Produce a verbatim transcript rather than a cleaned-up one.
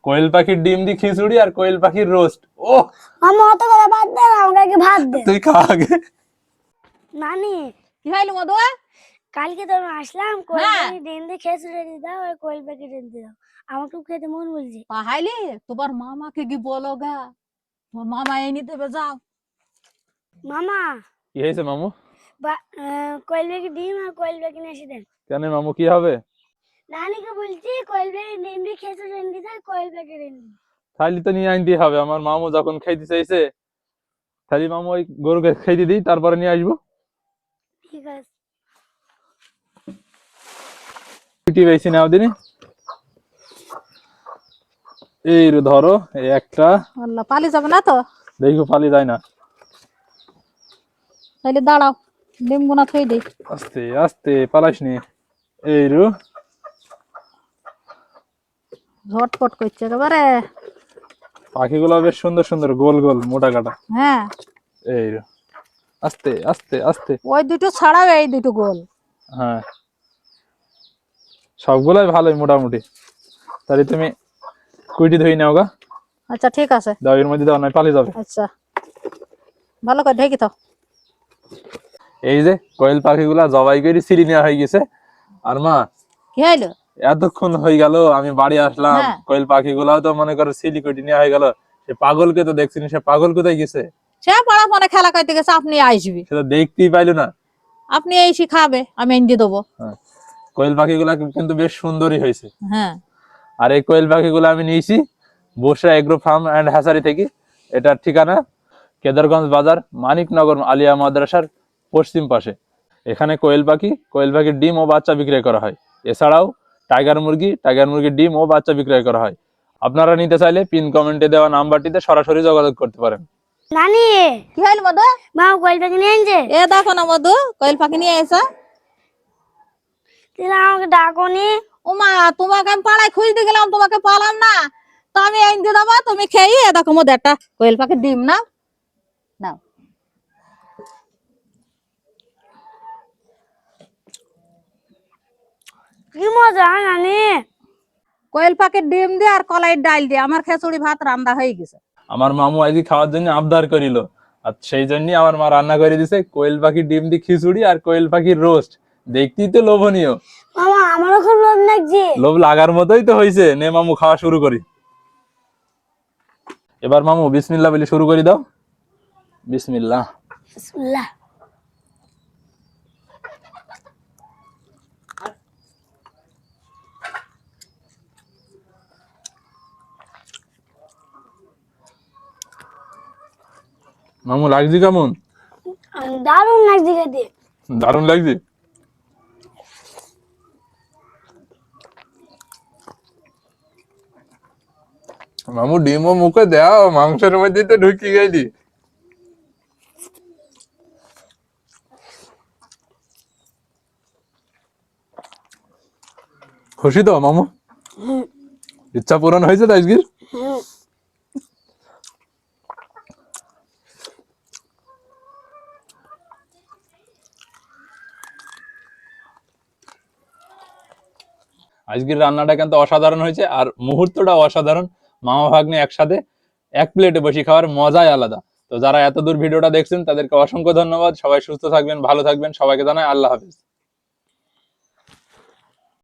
কোয়েল পাখির ডিম দিয়ে খিচুড়ি আর কোয়েল পাখির রোস্ট। ও মামা অত কথা বাদ দে, আমাকে ভাত দে। তুই খা আগে। নানি কি হইলো মধু? কালকে তো আসলাম, কোয়েল পাখি ডিম দিয়ে খিচুড়ি দিয়ে দাও আর কোয়েল পাখি ডিম দিয়ে দাও, আমাকে খেতে মন বলছে। তাহলে তোমার মামাকে কি বলো গা, তোমার মামা এনে দেবে, যাও। মামা কি হয়েছে মামু? কোয়েল পাখি ডিম আর কোয়েল পাখি নিয়ে এসে দেন। কেন মামু কি হবে? নানিকে বলছি কোয়েল পাখি ডিম দিয়ে খিচুড়ি এনে দিতে, কোয়েল পাখি ডিম। তাহলে তো নিয়ে আনতেই হবে, আমার মামু যখন খাইতে চাইছে তাহলে মামু ওই গরুকে খাইতে দিই, তারপরে নিয়ে আসবো। ঠিক আছে। ছুটি পেয়েছি নাও দিনই। এই রে ধরো, এই একটা। আল্লাহ, পালি যাবে না তো? দেখো পালি যায় না। তাহলে দাঁড়াও, ডিম গুনা থই দেই। আস্তে আস্তে পালাইস নি। এই রু ঝটপট করছে একেবারে। পাখিগুলো বেশ সুন্দর সুন্দর, গোল গোল মোটা কাটা। হ্যাঁ, এই রু আস্তে আস্তে আস্তে। ওই দুটো ছাড়াও এই দুটো গোল। হ্যাঁ, সবগুলাই ভালোই মোটামুটি। তাহলে তুমি কুইটি ধুই নাও গা। আচ্ছা ঠিক আছে, দাও এর মধ্যে, দাও না পালিয়ে যাবে। আচ্ছা ভালো করে ঢেকে দাও। এই যে কোয়েল পাখিগুলা জবাই করে সিঁড়ি নেওয়া হয়ে গেছে। আর মা, কি হইলো? এতক্ষণ হয়ে গেল আমি বাড়ি আসলাম, হ্যাঁ। কোয়েল পাখিগুলাও তো মনে করো সিলি কোটি নেওয়া হয়ে গেল। সে পাগলকে তো দেখছি না, সে পাগল কোথায় গেছে? সে পাড়া ফোনে খেলা করতে গেছে, আপনি আসবি। সে তো দেখতেই পাইলো না। আপনি এই শিখাবে, আমি এনে দিয়ে দেবো। হ্যাঁ, কোয়েল পাখিগুলা কিন্তু বেশ সুন্দরই হয়েছে। হ্যাঁ, আর এই কোয়েল পাখিগুলো আমি নিয়েছি Basra agro farm and hatchery থেকে। এটার ঠিকানা কেদারগঞ্জ বাজার, মানিকনগর আলিয়া মাদ্রাসার পশ্চিম পাশে। এখানে কোয়েল পাখি, কোয়েল পাখির ডিম ও বাচ্চা বিক্রয় করা হয়। এছাড়াও টাইগার মুরগি, টাইগার মুরগির ডিম ও বাচ্চা বিক্রয় করা হয়। আপনারা নিতে চাইলে পিন কমেন্টে দেওয়া নাম্বারটিতে সরাসরি যোগাযোগ করতে পারেন। নানি কি হইলো মধু? মা কোয়েল পাখি নিয়ে আনছে। এ দেখো না মধু, কোয়েল পাখি নিয়ে এসে। তুমি আমাকে ডাকোনি। ও মা, তোমাকে আমি পাড়ায় খুঁজতে গেলাম, তোমাকে পালাম না, তো আমি এনে দিয়ে দেবো, তুমি খেয়ে। এ দেখো মধু, একটা কোয়েল পাখির ডিম নাও, নাও। কি মজা নানি। কোয়েল পাখির ডিম দিয়ে আর কলাইয়ের ডাল দিয়ে আমার খিচুড়ি ভাত রান্না হয়ে গেছে। আমার মামু আজকে খাওয়ার জন্য আবদার করিল, আর সেই জন্য আমার মা রান্না করে দিছে কোয়েল পাখির ডিম দিয়ে খিচুড়ি আর কোয়েল পাখির রোস্ট। দেখতেই তো লোভনীয়। মামা আমারও খুব লোভ লাগছে। লোভ লাগার মতোই তো হয়েছে। নে মামু, খাওয়া শুরু করি। এবার মামু বিসমিল্লাহ বলে শুরু করে দাও। বিসমিল্লাহ। বিসমিল্লাহ। মামু লাগছে কেমন? দারুণ লাগছে খেতে। দারুণ লাগছে। মামু ডিমও মুখে দাও, মাংসের মধ্যে তো ঢুকি গেলি। খুশি তো মামু? ইচ্ছা পূরণ হয়েছে তো আজকের? আজকের রান্নাটা কিন্তু অসাধারণ হয়েছে, আর মুহূর্তটা অসাধারণ। মামা ভাগ্নে একসাথে এক প্লেটে বসে খাওয়ার মজাই আলাদা। তো যারা এত দূর ভিডিওটা দেখছেন তাদেরকে অসংখ্য ধন্যবাদ। সবাই সুস্থ থাকবেন, ভালো থাকবেন। সবাইকে জানাই আল্লাহ হাফেজ।